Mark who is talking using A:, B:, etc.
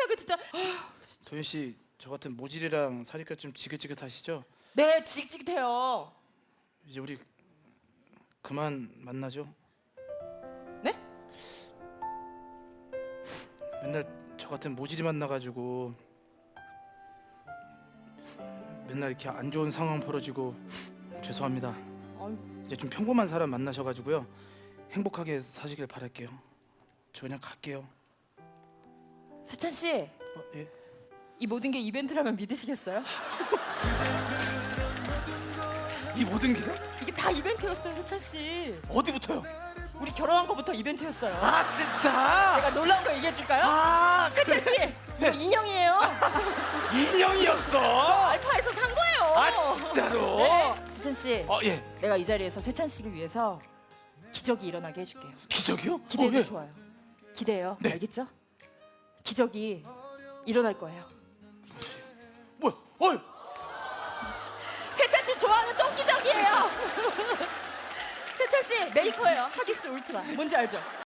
A: 세상에 진짜.
B: 도현 씨, 저 같은 모질이랑 사니까 좀 지긋지긋하시죠?
A: 네, 지긋지긋해요.
B: 이제 우리 그만 만나죠?
A: 네?
B: 맨날 저 같은 모질이 만나가지고 맨날 이렇게 안 좋은 상황 벌어지고 죄송합니다. 이제 좀 평범한 사람 만나셔가지고요, 행복하게 사시길 바랄게요. 저 그냥 갈게요.
A: 세찬 씨,
B: 예?
A: 이 모든 게 이벤트라면 믿으시겠어요?
B: 이 모든 게요?
A: 이게 다 이벤트였어요, 세찬 씨.
B: 어디부터요?
A: 우리 결혼한 거부터 이벤트였어요.
B: 아 진짜?
A: 내가 놀라운 거 얘기해 줄까요?
B: 아
A: 세찬 씨, 이거 인형이에요.
B: 인형이었어?
A: 알파에서 산 거예요.
B: 아 진짜로?
A: 네. 세찬 씨,
B: 예.
A: 내가 이 자리에서 세찬 씨를 위해서 기적이 일어나게 해줄게요.
B: 기적이요?
A: 기대해도
B: 예.
A: 좋아요. 기대해요.
B: 네.
A: 알겠죠? 기적이 일어날 거예요.
B: 뭐야? 어이.
A: 세찬 씨 좋아하는 똥기적이에요. 세찬 씨 메이커예요. 하기스 울트라. 뭔지 알죠?